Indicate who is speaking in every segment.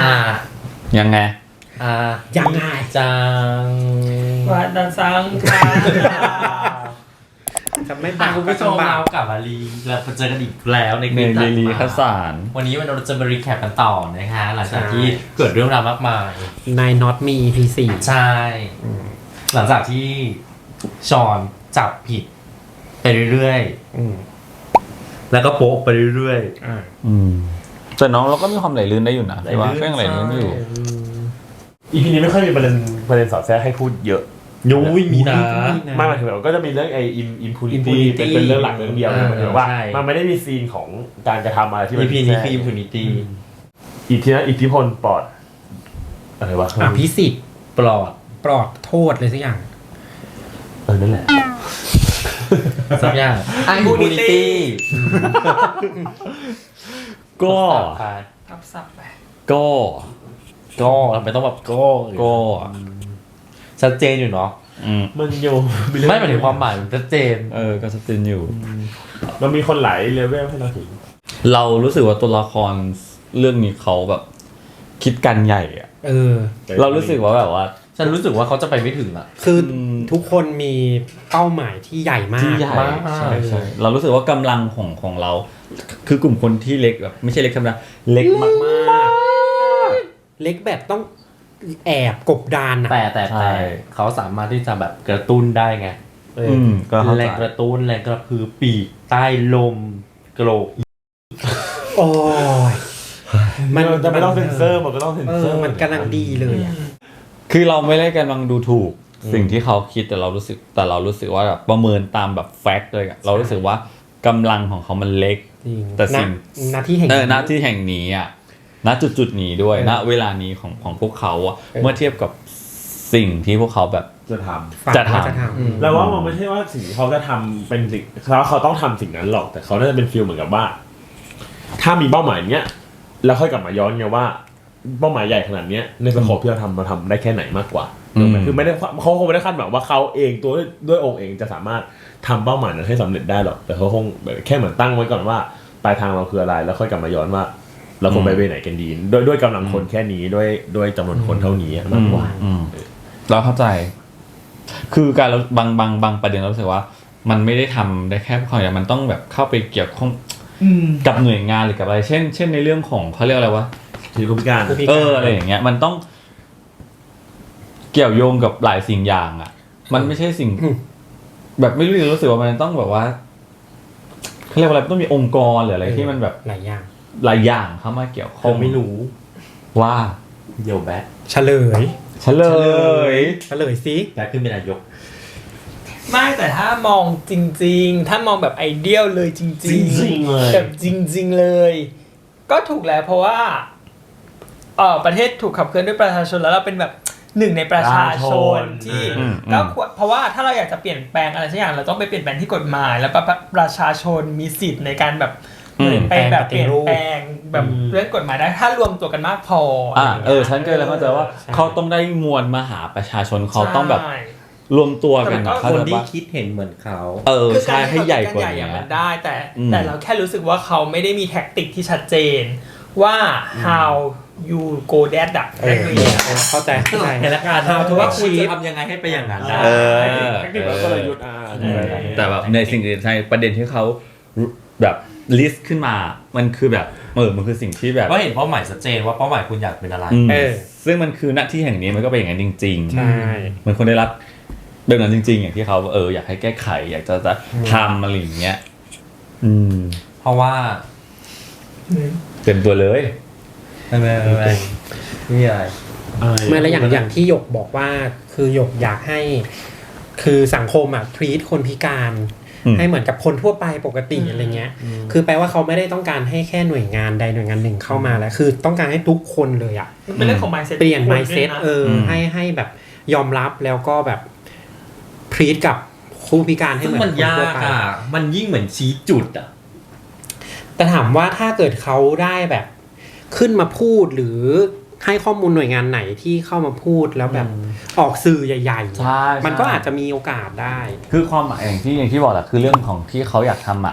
Speaker 1: ยังไง
Speaker 2: ยังไง
Speaker 3: จัง
Speaker 4: วัดสังขาร
Speaker 2: จะไม่บัง
Speaker 3: คุณผู้ชมเรากลับมาเราเจอกันอีกแล้วในคลิปถัดมาวันนี้เราจะมารีแคปกันต่อนะคะหลังจากที่เกิดเรื่องราวมากมาย
Speaker 2: ใน Not Me EP 4
Speaker 3: ใช่หลังจากที่ชอนจับผิดไปเรื่อยๆแล้วก็โป๊ะไปเรื่อย
Speaker 1: ๆแต่น้องเราก็มีความไหลลื่นได้อยู่นะแต่ว่าก็ยังไหลลื่นอยู่
Speaker 5: EP นี้ไม่ค่อยมีประเด็นสอดแทรกให้พูดเยอะ
Speaker 3: ยุ้ยมีนะ
Speaker 5: มากถึงแบบก็จะมีเรื่องไอ้ impunity เป็นเรื่องหลักเรื่องเดียวหมายถึงว่ามันไม่ได้มีซีนของการกระทำอะไรที่มัน
Speaker 3: EP นี้คือ impunity
Speaker 5: อิทธิพลปลอดอะไรวะ
Speaker 2: พิสิทธิ์
Speaker 3: ปลอด
Speaker 2: โทษเลยสักอย่าง
Speaker 5: นั่นแหละ
Speaker 3: สักอย่าง impunity
Speaker 1: ก็
Speaker 4: ทับศัพท์ไป
Speaker 1: ก็
Speaker 3: ทำไมต้องแบบก็ชัดเจนอยู่เนาะ
Speaker 5: มันอยู่
Speaker 3: ไม่หมายถึงความหมายมันชัดเจน
Speaker 1: ก็ชัดเจนอยู่
Speaker 5: มันมีคนหลายเลเวลให้เราถึง
Speaker 1: เรารู้สึกว่าตัวละครเรื่องนี้เขาแบบคิดกันใหญ่อะเรารู้สึกว่าแบบว่า
Speaker 3: ฉันรู้สึกว่าเขาจะไปไม่ถึงอะ
Speaker 2: คือทุกคนมีเป้าหมายที่ใหญ่มาก
Speaker 1: ใช่เรารู้สึกว่ากำลังของเราคือกลุ่มคนที่เล็กแบบไม่ใช่เล็กธรรมดาเล็กมาก
Speaker 2: เล็กแบบต้องแอบกบดาน
Speaker 3: แต่เขาสามารถที่จะแบบกระตุ้นได้ไงแรงกระตุ้นแรงกระพือปีกใต้ลมกระโหลก
Speaker 2: โอ้ย
Speaker 5: มันจะไม่ต้องเซ็นเซอร์มันก็ต้องเซ็นเซอร์
Speaker 2: มันกำลังดีเลย
Speaker 1: คือเราไม่ได้กำลังดูถูกสิ่งที่เขาคิดแต่เรารู้สึกว่าแบบประเมินตามแบบแฟกต์เลยเรารู้สึกว่ากำลังของเขามันเล็กแต่สิ่ง
Speaker 2: หน้าที่แห่
Speaker 1: งนี้อ่ะณจุดนี้ด้วยณเวลานี้ของพวกเขาอะเมื่อเทียบกับสิ่งที่พวกเขาแบบ
Speaker 5: จะท
Speaker 2: ำ
Speaker 5: แล้วว่ามันไม่ใช่ว่าสิ่งที่เขาจะทำเป็นสิ่งเขาต้องทำสิ่งนั้นหรอกแต่เขาน่าจะเป็นฟีลเหมือนกับว่าถ้ามีเป้าหมายเนี้ยแล้วค่อยกลับมาย้อนไงว่าเป้าหมายใหญ่ขนาดนี้ในสโคปที่เราทำได้แค่ไหนมากกว่าคือไม่ได้เขาคงไม่ได้คาดหวังว่าเขาเองตัวด้วยองค์เองจะสามารถทำเป้าหมายนั้นให้สำเร็จได้หรอกแต่เขาคงแค่เหมือนตั้งไว้ก่อนว่าปลายทางเราคืออะไรแล้วค่อยกลับมาย้อนว่าเราควรไปไหนกันดีด้วยกำลังคนแค่นี้ด้วยจำนวนคนเท่านี้มากกว่า
Speaker 1: เราเข้าใจคือการบางประเด็นเรารู้สึกว่ามันไม่ได้ทำได้แค่พวกเขาอย่างมันต้องแบบเข้าไปเกี่ยวข้องกับหน่วยงานหรือกับอะไรเช่นในเรื่องของเขาเรียกอะไรวะ
Speaker 5: ผู้พิการ
Speaker 1: อะไรอย่างเงี้ยมันต้องเกี่ยวโยงกับหลายสิ่งอย่างอ่ะมันไม่ใช่สิ่งแบบไม่รู้สึกว่ามันต้องแบบว่าเขาเรียกว่าอะไรต้องมีองค์กรหรืออะไรที่มันแบบ
Speaker 2: หลาย
Speaker 1: อย่างเข้ามาเกี่ยวข้อง
Speaker 3: ไม่รู้
Speaker 1: ว่า
Speaker 3: เดี๋ยวแบ๊
Speaker 2: เฉลยสิ
Speaker 3: แบ๊ขึ้นเป็นนายก
Speaker 4: ไม่แต่ถ้ามองจริงๆถ้ามองแบบไอเดียลเลยจริงๆเลยแบบจริงๆเลยก็ถูกแล้วเพราะว่าประเทศถูกขับเคลื่อนด้วยประชาชนแล้วเราเป็นแบบหนึ่งในประชาชนที่ก็เพราะว่าถ้าเราอยากจะเปลี่ยนแปลงอะไรสักอย่างเราต้องไปเปลี่ยนแปลงที่กฎหมายแล้วประชาชนมีสิทธิ์ในการแบบไปแบบเปลี่ยนแปลงแบบเรื่องกฎหมายได้ถ้ารวมตัวกันมากพอ
Speaker 1: ฉันเคยแล้วเข้าใจว่าเขาต้องได้มวลมหาประชาชนเขาต้องแบบรวมตัวกัน
Speaker 3: คนที่คิดเห็นเหมือนเขา
Speaker 1: ใช่ให้ใหญ่กว่า
Speaker 4: นี้มันได้แต่เราแค่รู้สึกว่าเขาไม่ได้มีแท็กติกที่ชัดเจนว่า how you go that อ่ะ
Speaker 2: เข้าใจ
Speaker 3: แล้วกันว่าคุณจะทำยังไงให้ไปอย่างนั้นได้
Speaker 5: แท็กติกแล้วก็เลยยุด
Speaker 1: แต่แบบในสิ่งอื่นใช่ประเด็นที่เขาแบบลิสต์ขึ้นมามันคือแบบมันคือสิ่งที่แบบ
Speaker 3: ก็เห็นเป้าหมายชัดเจนว่าเป้าหมายคุณอยากเป็นอะไร
Speaker 1: ซึ่งมันคือหน้าที่แห่งนี้มันก็เป็นอย่างนั้นจริง
Speaker 2: ๆใช่
Speaker 1: มันคนได้รับแบบนั้นจริงๆอย่างที่เขาอยากให้แก้ไขอยากจะทำอะไรอย่างเงี้ย
Speaker 3: เพราะว่า
Speaker 1: เต็มตัวเลย
Speaker 3: ไม่อะไร
Speaker 2: ไม่แล้วอย่างที่หยกบอกว่าคือหยกอยากให้คือสังคมtreat คนพิการให้เหมือนกับคนทั่วไปปกติอะไรเงี้ยคือแปลว่าเขาไม่ได้ต้องการให้แค่หน่วยงานใดหน่วยงานหนึ่งเข้ามาแล้วคือต้องการให้ทุกคนเลย
Speaker 4: เป็นเรื่องของ mindset
Speaker 2: เปลี่ยน mindset ให้แบบยอมรับแล้วก็แบบtreat กับผู้พิการให้เหมือนคนทั่วไป
Speaker 3: มันยิ่งเหมือนชี้จุด
Speaker 2: แต่ถามว่าถ้าเกิดเขาได้แบบขึ้นมาพูดหรือให้ข้อมูลหน่วยงานไหนที่เข้ามาพูดแล้วแบบออกสื่อใหญ่ๆมันก็อาจจะมีโอกาสได้
Speaker 1: คือความหมายอย่างที่บอกแหละคือเรื่องของที่เขาอยากทำ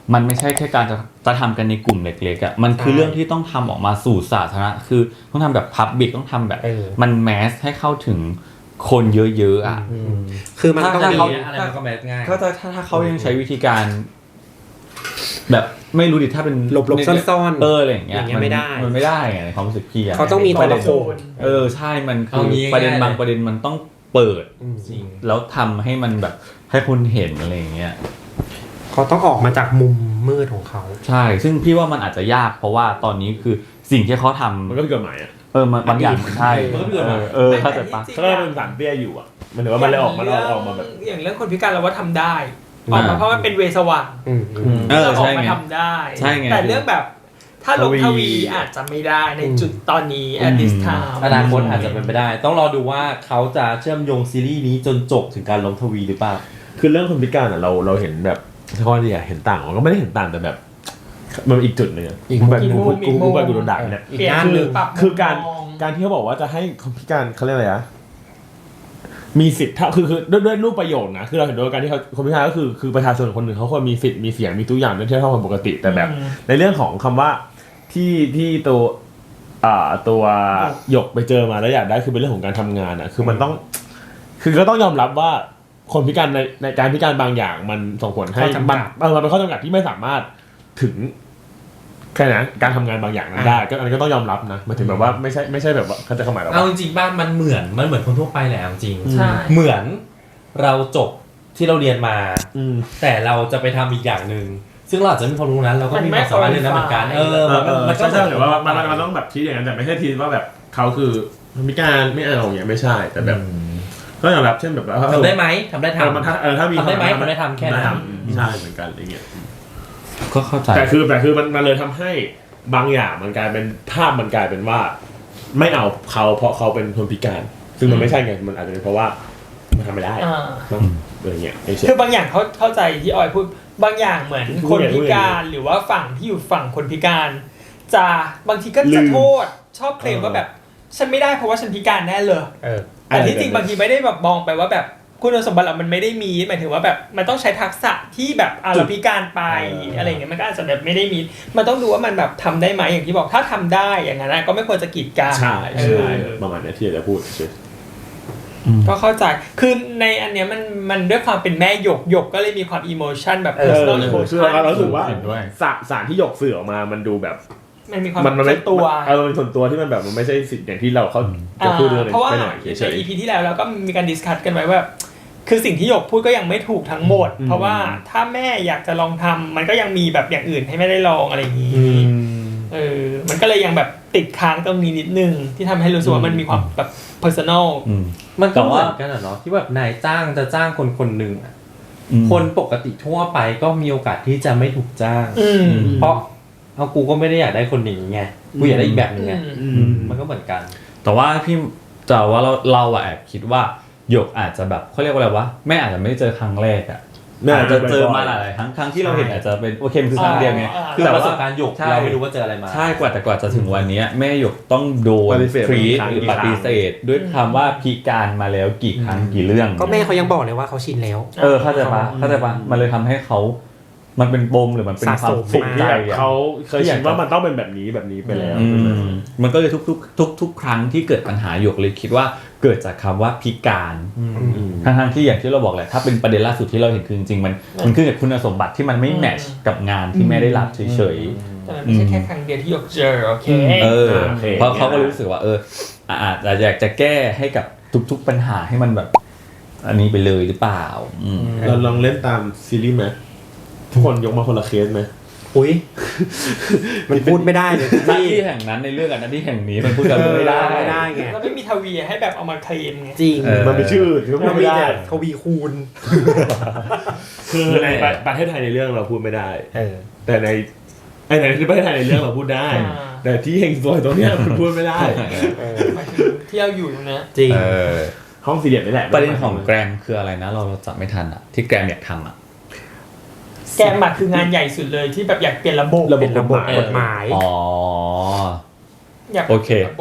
Speaker 1: มันไม่ใช่แค่การจะทำกันในกลุ่มเล็กๆอ่ะมันคือเรื่องที่ต้องทำออกมาสู่สาธารณะคือต้องทำแบบพับบิกต้องทำแบบมันแมสให้เข้าถึงคนเยอะๆอ่ะ
Speaker 2: คือมันต้อง
Speaker 1: ถ้า
Speaker 2: มี
Speaker 1: เขา
Speaker 3: อะไรมันก็แมสง่าย
Speaker 1: ถ้าเขายังใช้วิธีการ แบบไม่รู้ดิถ้าเป็น
Speaker 2: หลบๆซ่อนๆ
Speaker 1: อะไรอย่างเงี้ย
Speaker 2: ไม่ได้
Speaker 1: มันไม่ได้ไงในความรู้สึกพี่อะ
Speaker 2: เขาต้องมีตัวละคร
Speaker 1: ใช่มันคือประเด็นบางประเด็นมันต้องเปิด
Speaker 3: จริง
Speaker 1: แล้วทำให้มันแบบให้คนเห็นอะไรอย่างเงี้ย
Speaker 2: เขาต้องออกมาจากมุมมืดของเขา
Speaker 1: ใช่ซึ่งพี่ว่ามันอาจจะยากเพราะว่าตอนนี้คือสิ่งที่เขาทำ
Speaker 5: มันก็เป็นกฎหมายอ่ะ
Speaker 1: มันบางอย่างมันใช่
Speaker 3: มันก็เป็นกฎหมาย
Speaker 1: เข้าใจปะ
Speaker 5: ถ้าเราเป็นสารเตี้ยอยู่อ่ะมันถือว่ามันเลยออกมาแบบ
Speaker 4: อย่างเรื่องคนพิการเราว่าทำได้ออกมาเพราะมันเป็นเวสว่าง เราออ
Speaker 1: ใช่
Speaker 4: กมา
Speaker 1: ไง
Speaker 4: ทำได้
Speaker 1: ใช่ไง
Speaker 4: แต่เรื่องแบบถ้าลงทวีอาจจะไม่ได้ในจุดตอนนี้ at this time
Speaker 3: อนาคตอาจจะเป็นไปได้ ต้องรอดูว่าเขาจะเชื่อมโยงซีรีส์นี้จนจบถึงการลงทวีหรือเปล่า
Speaker 5: คือเรื่องคนพิการอ่ะเราเห็นแบบข้อดีอ่ะเห็นต่างมันก็ไม่ได้เห็นต่างแต่แบบมันอีกจุดหนึงอ่ะ
Speaker 2: อีก
Speaker 5: แบบ
Speaker 4: มุม
Speaker 5: กูไปกูโดนด่าเนี่ย
Speaker 2: อีกด้านหนึ่ง
Speaker 4: ปรับ
Speaker 5: คือการ
Speaker 4: มุมมอง
Speaker 5: การที่เขาบอกว่าจะให้คนพิการเขาเรียกอะไรอะมีสิทธิ์ถ้าคือด้วยรูปประโยชน์นะคือเราเห็นด้วยการที่เขาคนพิการก็คือประชาชนคนหนึ่งเขาควรมีสิทธิ์มีเสียงมีทุกอย่างเท่าคนปกติแต่แบบ ในเรื่องของคำว่าที่ตัวหยกไปเจอมาแล้วอยากได้คือเป็นเรื่องของการทำงานอ่ะคือมันต้อง คือก็ต้องยอมรับว่าคนพิการในการพิการบางอย่างมันส่งผลให้
Speaker 2: ข้อจำกัด
Speaker 5: มันเป็นข้อจำกัดที่ไม่สามารถถึงแค่นั้นการทำงานบางอย่างนั้นได้ก็อันนี้ก็ต้องยอมรับนะหมายถึงแบบว่าไม่ใช่แบบว่าเขาจะเข้าหมายเรา
Speaker 3: เอาจริงๆบ้านมันเหมือนคนทั่วไปแหละเอาจริง
Speaker 4: ใช่
Speaker 3: เหมือนเราจบที่เราเรียนมา
Speaker 5: อืม
Speaker 3: แต่เราจะไปทำอีกอย่างหนึ่งซึ่งเราอาจจะมีความรู้นั้นเราก็มีความสามารถเรื่องนั้นเหมือนกันมันก็
Speaker 5: ใช่หรือว่ามันต้องแบบทีอย่างนั้นแต่ไม่ใช่ทีว่าแบบเขาคือพิการไม่เอาอย่างเงี้ยไม่ใช่แต่แบบก็ยอมรับเช่นแบบว่า
Speaker 3: ทำได้ไหมทำได้ทำ
Speaker 5: ถ้ามี
Speaker 3: ทำได้ไหมทำได้ทำแค่นั้น
Speaker 5: ใช่เหมือนกันอะไรเงี้ย
Speaker 1: ก็เข้าใจ
Speaker 5: แต่คือมันเลยทำให้บางอย่างมันกลายเป็นภาพมันกลายเป็นว่า ไม่เอาเขาเพราะเขาเป็นคนพิการ ซึ่งมันไม่ใช่ไงมันอาจจะเป็นเพราะว่ามันทำไม่ได้อะไรเงี้ย
Speaker 4: คือบางอย่างเขาเข้าใจที่ออยพูดบางอย่างเหมือนคนพิการหรือว่าฝั่งที่อยู่ฝั่งคนพิการ จะบางทีก็จะโทษชอบเคลมว่าแบบฉันไม่ได้เพราะว่าฉันพิการแน่เลยแต่ที่จริงบางทีไม่ได้แบบมองไปว่าแบบคุณสมบัติเรามันไม่ได้มีหมายถึงว่าแบบมันต้องใช้ทักษะที่แบบเราพิการไปอะไรเงี้ยมันก็อาจจะแบบไม่ได้มีมันต้องดูว่ามันแบบทำได้ไหมอย่างที่บอกถ้าทำได้อย่างนั้นก็ไม่ควรจะกีดกัน
Speaker 5: ใช่ประมาณนี้ที่จะพูดใช่
Speaker 4: ก็เข้าใจคือในอันเนี้ยมันด้วยความเป็นแม่หยกก็เลยมีความอิโมชันแบบ personal
Speaker 5: คือ
Speaker 4: emotion
Speaker 5: เราถือว่า
Speaker 1: เห็นด้วย
Speaker 5: สารที่หยกสื่อออกมามันดูแบบ
Speaker 4: มันมีความ
Speaker 5: มันไม่
Speaker 4: ตัว
Speaker 5: มันเป็นส่วนตัวที่มันแบบมันไม่ใช่สิ่งอย่างที่เราเขาจะพูดเรื่อง
Speaker 4: เพราะว่า
Speaker 5: ไปหน่อยเฉ
Speaker 4: ใน
Speaker 5: ย
Speaker 4: EP ที่แล้วเราก็มีการดิสคัสกันไว้ว่าคือสิ่งที่หยกพูดก็ยังไม่ถูกทั้งหมด เพราะว่าถ้าแม่อยากจะลองทำมันก็ยังมีแบบอย่างอื่นให้ไม่ได้ลองอะไรอย่างนี้มันก็เลยยังแบบติดค้างตรงนี้นิดนึงที่ทำให้รู้สึกว่ามันมีความแบบ personal
Speaker 3: มันก็เหมือนกันอะเนาะที่แบบนายจ้างจะจ้างคนหนึ่งอะคนปกติทั่วไปก็มีโอกาสที่จะไม่ถูกจ้างเพราะเอากูก็ไม่ได้อยากได้คนอย่างนี้ไงกูอยากได้อีกแบบนึงไงมันก็เหมือนกัน
Speaker 1: แต่ว่าเราแอบคิดว่าหยกอาจจะแบบเขาเรียกว่าอะไรวะแม่อาจจะไม่ได้เจอครั้งแรกอ่ะอาจจะเจอมาหลายครั้งที่เราเห็นอาจจะเป็นโอเคมันคือครั้งเดียวไง
Speaker 3: คือ
Speaker 1: แต่
Speaker 3: ประส
Speaker 1: ว่า
Speaker 3: บการณ์หยกเราไม่รู้ว่าเจออะไรมา
Speaker 1: ใช่กว่าจะถึงวันนี้แม่หยกต้องโดนทรีตหรือปฏิเสธด้วยคำว่าพิการมาแล้วกี่ครั้งกี่เรื่อง
Speaker 2: ก็แม่เขายังบอกเลยว่าเขาชินแล้ว
Speaker 1: เข้าใจปะมันเลยทำให้เขามันเป็นปมหรือมันเป็นความ
Speaker 5: ๆสิ่งที่แบบเขาเคยคิดว่ามันต้องเป็นแบบนี้ไปแล้ว
Speaker 1: มันก็เลยทุกครั้งที่เกิดปัญหาหยกเลยคิดว่าเกิดจากคำว่าพิการทั้งที่อย่างที่เราบอกแหละถ้าเป็นประเด็นล่าสุดที่เราเห็นคือจริงๆมันขึ้นกับคุณสมบัติที่มันไม่แมทช์กับงานที่แม่ได้รับเฉยๆ
Speaker 4: แต่มันไม่ใช่แค่ครั้งเดียวที่หยกเจอโอเค
Speaker 1: เพราะเขาก็รู้สึกว่าอาจจะอยากจะแก้ให้กับทุกปัญหาให้มันแบบอันนี้ไปเลยหรือเปล่า
Speaker 5: เราลองเล่นตามซีรีส์ไหมทุกคนยกมาคนละเคสไหม
Speaker 2: อุ้ยมันพูดไม่ได้เลย
Speaker 1: หน้าที่แห่งนั้นในเรื่องกับหน้าที่แห่งนี้มันพูดกันไม่ได้
Speaker 2: ไง
Speaker 4: แล้วไม่มีทวีให้แบบเอามาเคลมไง
Speaker 2: จริง
Speaker 5: มันมีชื่อที่พูด
Speaker 2: มัน
Speaker 5: ไม่
Speaker 2: มี
Speaker 5: ได้
Speaker 2: แต่ทวีคูณ
Speaker 5: คือในประเทศไทยในเรื่องเราพูดไม่ได้ แต่ในประเทศไทยในเรื่องเราพูดได้ แต่ที่เฮงซวยตรงเนี้ยมันพูดไม่ได้
Speaker 4: หมายถึงที่เราอยู่นะ
Speaker 2: จริง
Speaker 5: ห้องสี่เหลี่ยมนี่แหละ
Speaker 1: ประเด็นของแกรมคืออะไรนะเราจับไม่ทันอ่ะที่แกรมอยากทำอ่ะ
Speaker 4: แกมคืองานใหญ่สุดเลยที่แบบอยากเปลี่ยนระบบ
Speaker 2: กฎหมาย
Speaker 1: อ๋อ
Speaker 4: อยาก
Speaker 1: โอเค
Speaker 4: ระบบ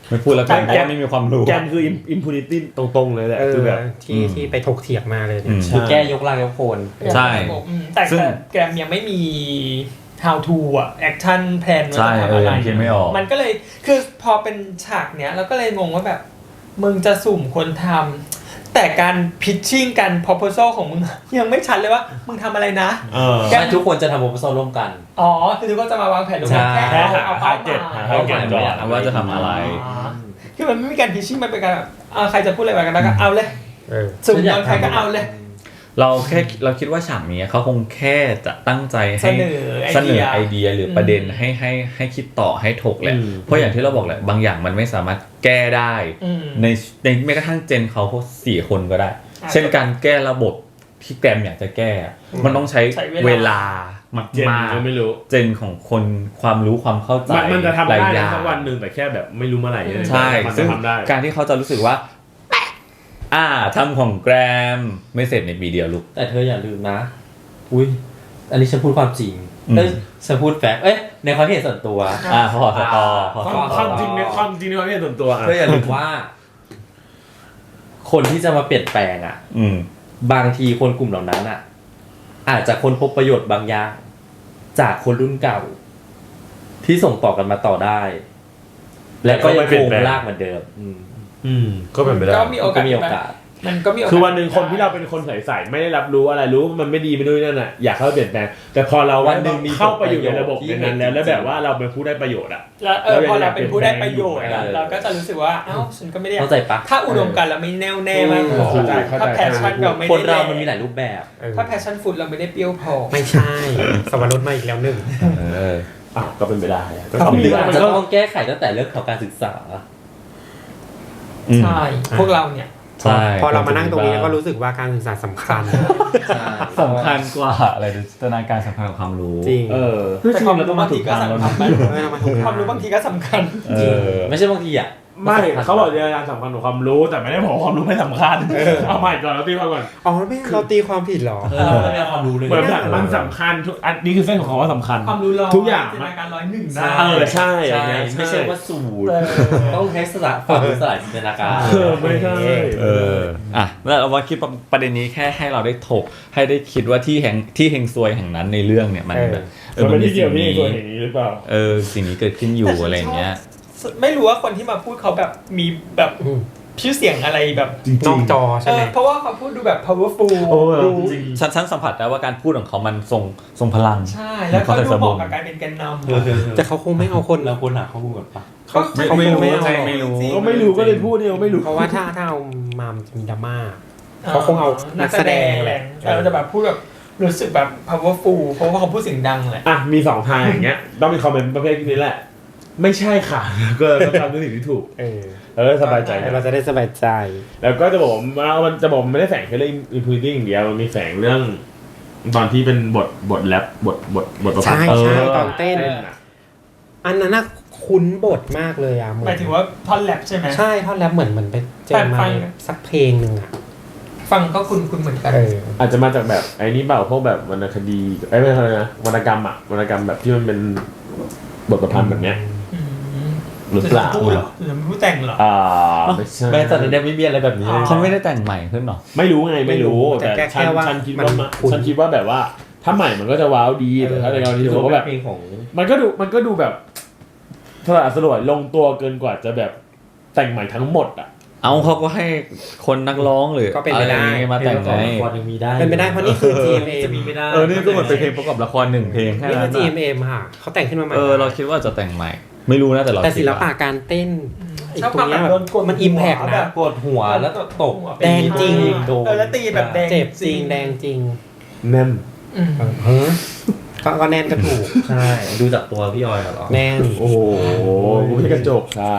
Speaker 1: ไม่พูดแล้วกันเพราะว่าไม่มีความรู้
Speaker 5: แกมคืออิมพูนิตี้ตรงๆเลยแหละคือแบบ
Speaker 2: ที่ไปถกเถียงมาเลยเนี่ย
Speaker 3: คือแก้ยกล่างยกโคน
Speaker 1: ใช่
Speaker 4: แต่
Speaker 1: ซึ่ง
Speaker 4: แกรมยังไม่มี how to อ่ะ action plan ว่า
Speaker 1: ใช่
Speaker 4: จะทำอะไร
Speaker 1: ยังคิดไม่ออก
Speaker 4: มันก็เลยคือพอเป็นฉากเนี้ยเราก็เลยงงว่าแบบมึงจะสุ่มคนทำแต่การ pitching การ proposal ของมึงยังไม่ชัดเลยว่ามึงทำอะไรนะ
Speaker 3: แค่ทุกคนจะทำโปรโพสร่วมกัน
Speaker 4: อ๋อคือทุกคนจะมาวางแผนร่วมกัน
Speaker 3: ใช่
Speaker 4: แค่
Speaker 5: หา
Speaker 4: เอา
Speaker 5: หา
Speaker 4: เป้า
Speaker 5: เก็ต
Speaker 4: หมาย
Speaker 5: หาเก็ตก่อน
Speaker 1: ว่าจะทำอะไร
Speaker 4: อ๋อคือมันไม่มีการ pitching มันเป็นการแบบใครจะพูดอะไรมากันแล้วก็เอาเลย
Speaker 2: เออ
Speaker 4: สุ่มโดนใครก็เอาเลย
Speaker 1: เราคิดว่าฉากนี้เขาคงแค่จะตั้งใจให้
Speaker 4: เสนอไอเดีย
Speaker 1: ไอเดียหรือประเด็นให้คิดต่อให้ถกแหละเพราะอย่างที่เราบอกแหละบางอย่างมันไม่สามารถแก้ได้ ในแม้กระทั่งเจนเขาพวก4 คนก็ได้ เช่นการแก้ระบบที่แกรมอยากจะแก้ มันต้องใช้เวลามาก
Speaker 5: เจนก็ไม่รู้
Speaker 1: เจนของคนความรู้ความเข้าใจ
Speaker 5: มันจะทำ
Speaker 1: หลาย
Speaker 5: ได้
Speaker 1: อย่า
Speaker 5: นะ
Speaker 1: ง
Speaker 5: สักวันหนึ่งแต่แค่แบบไม่รู้เมื่อไหร่
Speaker 1: ใช่
Speaker 5: มัน
Speaker 1: ซึ่
Speaker 5: จะ
Speaker 1: ง
Speaker 5: ทำได้
Speaker 1: การที่เขาจะรู้สึกว่าทำของแกรมไม่เสร็จในปีเดียวลูก
Speaker 3: แต่เธออย่าลืมนะ อุ้ยอันนี้ฉันพูดความจริงฉันพูดแฟกต์ในความเห็นส่วนตัว
Speaker 1: ขอสตอ
Speaker 5: ความจริงในความจริงในความเห็นส่วนตัว
Speaker 3: เธออย่าลืมว่า คนที่จะมาเปลี่ยนแปลงบางทีคนกลุ่มเหล่านั้นอาจจะค้นพบประโยชน์บางอย่างจากคนรุ่นเก่า ที่ส่งต่อกันมาต่อได้ และก็ยังคงลากเหมือนเดิม
Speaker 5: ก็เป็นไปได้
Speaker 4: ก็มีโอกาส
Speaker 3: มีโอกาส
Speaker 4: มันก็มีโอกาส
Speaker 5: คือวันหนึ่งคนที่เราเป็นคนใส่ๆไม่ได้รับรู้อะไรรู้ว่ามันไม่ดีไม่ด้วยนั่นน่ะอยากเข้าไปเปลี่ยนแปลงแต่พอเรา
Speaker 3: วันหนึ่งมี
Speaker 5: เข้าไปอยู่ในระบบ
Speaker 3: ที่
Speaker 5: นั้นแล้วแบบว่าเราเป็นผู้ได้ประโยชน์อ่ะ
Speaker 4: แล้วพอเราเป็นผู้ได้ประโยชน์
Speaker 5: เออ
Speaker 4: เราก็จะรู้สึกว่าฉันก็ไม่ได้
Speaker 3: เข้าใจปะ
Speaker 4: ถ้าอุดมการณ์เราไม่แน่วแน่มากพอ
Speaker 5: เข้าใจ
Speaker 4: ถ้าแพชชั่นเราไม่ได้
Speaker 3: คนเรามันมีหลายรูปแบบ
Speaker 4: ถ้าแพชชั่นฟุตเราไม่ได้เปรี้ยวพอ
Speaker 2: ไม่ใช่สวรสมาอีกแล้วหนึ่ง
Speaker 5: อ้าวก็เป็นไปได้อะก็
Speaker 3: หรืออาจ
Speaker 5: มัน
Speaker 3: จะ
Speaker 5: ก็
Speaker 3: ต้องแก้ไขตั้งแต่เรื่องของการศึกษา
Speaker 4: ใช่พวกเราเนี่ย
Speaker 1: ใช่
Speaker 2: พอเรามานั่งตรงนี้ก็รู้สึกว่าการศึกษาสำคัญ
Speaker 1: สำคัญกว่าอะไรจินตนาการสำคัญกว่าความรู้
Speaker 2: จริง
Speaker 4: แต่ความรู้บางทีก็สำคัญ
Speaker 2: เรามาถูก
Speaker 4: ความรู้บางทีก็สำคัญ
Speaker 3: ไม่ใช่บางทีอ่ะ
Speaker 5: ไม่เขาบอกจินตนาการสำคัญกว่าความรู้แต่ไม่ได้บอกว่าความรู้ไม่สำคัญเอาใหม่ก่อนเราตีความก่อน
Speaker 2: อ๋อไม่เราตีความผิดเหรอ
Speaker 3: เราไม่ได้ความรู้เลย
Speaker 5: เหมือนแบบมันสำคัญทุกอันนี้คือเส้นของคำว่าสำคัญ
Speaker 4: ความรู้เรา
Speaker 5: ทุกอย่าง
Speaker 4: จินตนาการ101ได้
Speaker 5: ใช่
Speaker 3: ใช่
Speaker 5: อย่างเงี้ย
Speaker 3: ไม่ใช่ว่าสูตรต้องใช้สละความรู้สลายจินตนาการ
Speaker 5: ไม่ใช่
Speaker 1: แล้วเราว่าคิดประเด็นนี้แค่ให้เราได้ถกให้ได้คิดว่าที่เฮงซวยแห่งนั้นในเรื่องเนี่ยมันแบบ
Speaker 5: มันเป็นที่เกี่ยวพี่ตัวอย่างนี้หรือเปล่า
Speaker 1: สิ่งนี้เกิดขึ้นอยู่อะไรอย่างเงี้ย
Speaker 4: ไม่รู้ว่าคนที่มาพูดเขาแบบมีแบบชื่อเสียงอะไรแบบ
Speaker 2: นอกจอใช่ไหม
Speaker 4: เพราะว่าเขาพูดดูแบบ powerful
Speaker 5: จริง
Speaker 1: ฉันสัมผัสได้ว่าการพูดของเขามันทรงพลัง
Speaker 4: ใช่ แล้วเขาดูเหมาะกับการเป็นแกนนำ
Speaker 2: แต่เขาคงไม่เอาคน
Speaker 3: เราควรหาข้อมูลก่อนปะ
Speaker 2: ไม่รู้
Speaker 5: ก็ไม่รู้ก็เลยพูดเนี่ยไม่รู้
Speaker 2: เพราะว่าถ้าเอามามันจะมีดราม่าเขาคงเอานักแสดงแหละ
Speaker 4: แต่เราจะแบบพูดแบบรู้สึกแบบ powerful เพราะว่าเขาพูดเสียงดังแหละ
Speaker 5: มี2ทางอย่างเงี้ยต้องมีคอมเมนต์ประเภทนี้แหละไม่ใช่ค่ะก็ต้องทำในสิ่งที่ถูกเราจะสบายใจ
Speaker 2: เราจะได้สบายใจ
Speaker 5: แล้วก็จะบอกว่ามันจะบอกไม่ได้แฝงแค่เรื่อง impunity อย่างเดียวมันมีแฝงเรื่องตอนที่เป็นบทแรปบทประพันธ์
Speaker 2: ใช่ตอนเต้นอันนั้นน่ะคุ้นบทมากเลยอ่ะ
Speaker 4: หมายถึงว่าท่อนแรปใช่ไหม
Speaker 2: ใช่ท่อนแรปเหมือนไปเจอมาสักเพลงหนึ่งอ่ะ
Speaker 4: ฟังก็คุ้นเหมือนกัน
Speaker 5: อาจจะมาจากแบบไอ้นี่เปล่าพวกแบบวรรณคดีไม่ใช่นะวรรณกรรมแบบที่มันเป็นบทประพันธ์แบบเนี้ยหรือเปล่า
Speaker 4: หรือผู้แต่งเหรอ
Speaker 5: ไม่ใช่
Speaker 3: แม้ตอนนี้ไม่มีอะไรแบบนี้เลย
Speaker 1: เขาไม่ได้แต่งใหม่ขึ้นหรอ
Speaker 5: ไม่รู้ไงไม่รู้
Speaker 2: แต่
Speaker 5: แต่
Speaker 2: แค่ว่า
Speaker 5: ฉันคิดว่าแบบว่าถ้าใหม่มันก็จะว้าวดีแต่ถ้าในกรณีที่ว่าแบบ
Speaker 3: เพลงของ
Speaker 5: มันก็ดูแบบสลวยลงตัวเกินกว่าจะแบบแต่งใหม่ทั้งหมดอ่ะ
Speaker 1: เอาเขาก็ให้คนนักร้องหรือ
Speaker 2: ก็เป็นไปได้
Speaker 1: อะไรมาแต่งไง
Speaker 3: ละครยังมีได้
Speaker 2: เป็นไปได้เพราะนี่คือ GMM
Speaker 3: จะมีไม่ได้
Speaker 1: นี่ก็เหมือนเป็นเพลงประกอบละคร1 เพลงแค่
Speaker 2: นี่
Speaker 1: นั้
Speaker 2: คือน
Speaker 1: น่ะ
Speaker 2: GMM ค่ะเขาแต่งขึ้นมาใหม่
Speaker 1: เราคิดว่าจะแต่งใหม่ ไม่รู้นะแต่เรา
Speaker 2: แต่ศิล
Speaker 1: คิด
Speaker 2: ปะ
Speaker 1: ว่า
Speaker 2: การเต้นอีก
Speaker 4: ชอบ
Speaker 2: ตรงเนี้ยแบบ
Speaker 4: โดนกด
Speaker 2: มันอิมแพก
Speaker 4: หัว
Speaker 2: นะ
Speaker 3: ปวดหัวแล้วตก
Speaker 2: แดงจริง
Speaker 4: แล้วตีแบบแดง
Speaker 2: เจ็บจริงแดงจริง
Speaker 5: แน่น
Speaker 2: ก็แน่นก็ถูก
Speaker 3: ใช่ดูจากตัวพี่ออยเหรอ
Speaker 2: แน่น
Speaker 5: โอ้โหกูไม่ใช่กระจกค่ะ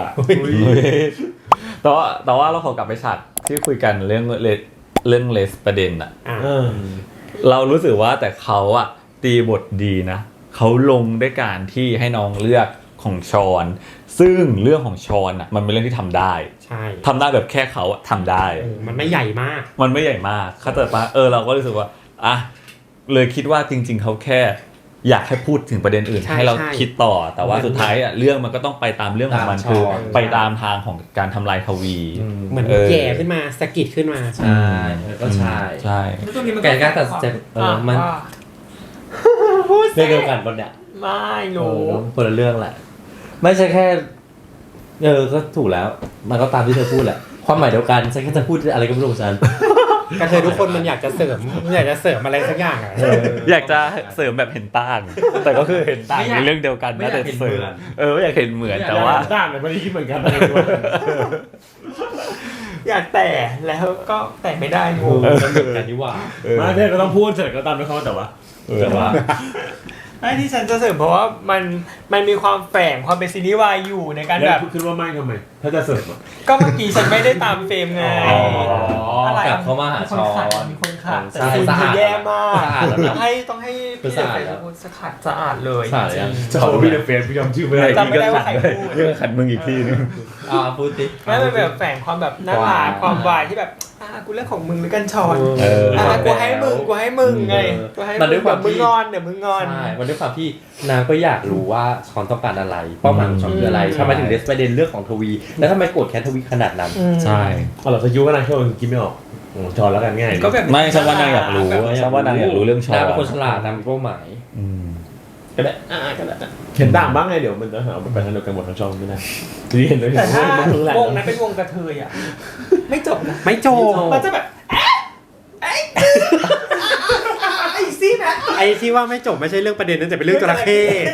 Speaker 1: แต่ว่าเราขอกลับไปฉากที่คุยกันเรื่องเลสประเด็นอะ เรารู้สึกว่าแต่เขาอะตีบทดีนะเขาลงด้วยการที่ให้น้องเลือกของชอนซึ่งเรื่องของชอนอะมันเป็นเรื่องที่ทำได้
Speaker 2: ใช่
Speaker 1: ทำได้แบบแค่เขาอะทำได้
Speaker 2: มันไม่ใหญ่มาก
Speaker 1: มันไม่ใหญ่มากเขาแต่ปะเราก็รู้สึกว่าเลยคิดว่าจริงๆเขาแค่อยากให้พูดถึงประเด็นอื่น
Speaker 2: ใช่
Speaker 1: ให้เรา
Speaker 2: ใช่
Speaker 1: คิดต่อ แต่ว่าสุดท้ายเรื่องมันก็ต้องไปตามเรื่องของมัน
Speaker 3: ตาม
Speaker 1: คือ
Speaker 3: ช่อง
Speaker 1: ไปตามทางของการทำลายทวี
Speaker 2: เหมือน
Speaker 1: เออ
Speaker 2: แย่ขึ้นมาสะกิดขึ้นมา
Speaker 3: ใช่ก็ใช่
Speaker 1: ใช่
Speaker 4: แล้วตรงนี้มัน
Speaker 3: แกก็ตัดสินใจมัน
Speaker 4: ว่า
Speaker 3: เรื่องเดียวกันปะเนี่ย
Speaker 4: ไม่รู้
Speaker 3: คนละเรื่องแหละ ไม่ใช่แค่ก็ถูกแล้ว มันก็ตามที่เธอพูดแหละความหมายเดียวกันฉันแค่จะพูดอะไรก็ไม่รู้ของฉัน
Speaker 2: กระเทยทุกคนมันอยากจะเสริมอะไรสักอย่างอ่ะ
Speaker 1: อยากจะเสริมแบบเห็นต่าง แต่ก็คือเห็นต่างในเรื่องเดียวกัน
Speaker 3: ไม่อยาก
Speaker 1: แต่
Speaker 3: เห็น
Speaker 1: เสริ
Speaker 3: เหมื
Speaker 1: ม
Speaker 3: อน
Speaker 1: ไม่อยากเห็นเหมือนแต่ว่า
Speaker 5: ด้านเลยไม่ได้คิดเหมือนกัน
Speaker 4: อยากแต่แล้วก็แต่ไม่ได้งง
Speaker 3: มันเหมือนกันนี่หว่า
Speaker 5: มาเพื่อนก็ต้องพูดเสร็จก็ตามไปเขาแต่ว่า
Speaker 3: แต่ว่า
Speaker 4: ไอ้ที่ฉันจะเสริมเพราะว่ามันมีความแฝงความเป็นซีรีส์วายอยู่ในการ
Speaker 5: แล้
Speaker 4: แบ
Speaker 5: ว
Speaker 4: บ
Speaker 5: คิดว่าไม่ทำไม ถ้าจะเสิร์ฟอ่ะ
Speaker 4: ก็เมื่อกี้ฉันไม่ได้ตามเฟรมไง อะไร
Speaker 3: กลับเข้ามาหา
Speaker 4: มีคน
Speaker 3: ช้อน
Speaker 4: ขัดมีคนขัดแต่
Speaker 3: ใช่
Speaker 4: คุณ
Speaker 3: สะอาด
Speaker 4: แย่มาก
Speaker 3: สะอาดแล้วนะ
Speaker 4: ต้องให้พี่
Speaker 3: สะอาดแล้ว
Speaker 4: พูดสะอาดสะอาดเลย
Speaker 3: สะอาดยัง
Speaker 5: จะขอพี่เดอะเฟสพี่จำชื่อไม่ได้
Speaker 4: จำไม่ได้ว่าใครพูด
Speaker 1: เรื่องขัดมึงอีกทีนึง
Speaker 3: พูดติ
Speaker 4: ไม่เป็นแบบแฝงความแบบน่ารักความวายที่แบบกูเรื่องของมึงหรือกันชอน กูให้มึงไงกูให้
Speaker 3: มันด้วยความ
Speaker 4: มึง
Speaker 3: ที่
Speaker 4: งอนเดี๋ยวมึงงอน
Speaker 3: ใช่มันด้วยความที่นางก็อยากรู้ว่าช้อนต้องการอะไรเป้าหมายของช้อนคืออะไรทำไมถึงเดสประเด็นเรื่องของทวี แล้วทำไมโกรธแค้นทวีขนาดนั้น
Speaker 1: ใช่
Speaker 5: เอาเราสกิลก็นางแค่ว่าคิดไม่ออกจอแล้วกันง่าย
Speaker 4: ก็แบบ
Speaker 1: ไม่ฉันว่านางอยากรู้ฉันว่านางอยากรู้เรื่องชอน
Speaker 3: นางเป็นคนฉลาดนางมีเป้าหมาย
Speaker 1: อืม
Speaker 5: ก็ได้ก็ได้เห็นต่างบ้างไงเดี๋ยวมันจะหาไปทางเดียวกันหมดทั้งช่องไม่ได้ที่เห็นเลย
Speaker 4: แต่ถ้า
Speaker 5: มันรู้แหละ
Speaker 4: วงนั้นเป็นวงกระเทยอ่ะไม่จบนะ
Speaker 2: ไม่โจบ
Speaker 4: มันจะแบบไอ้ซี่นะ
Speaker 2: ไอ้ที่ว่าไม่จบไม่ใช่เรื่องประเด็นนั้นแต่เป็นเรื่องจระเข้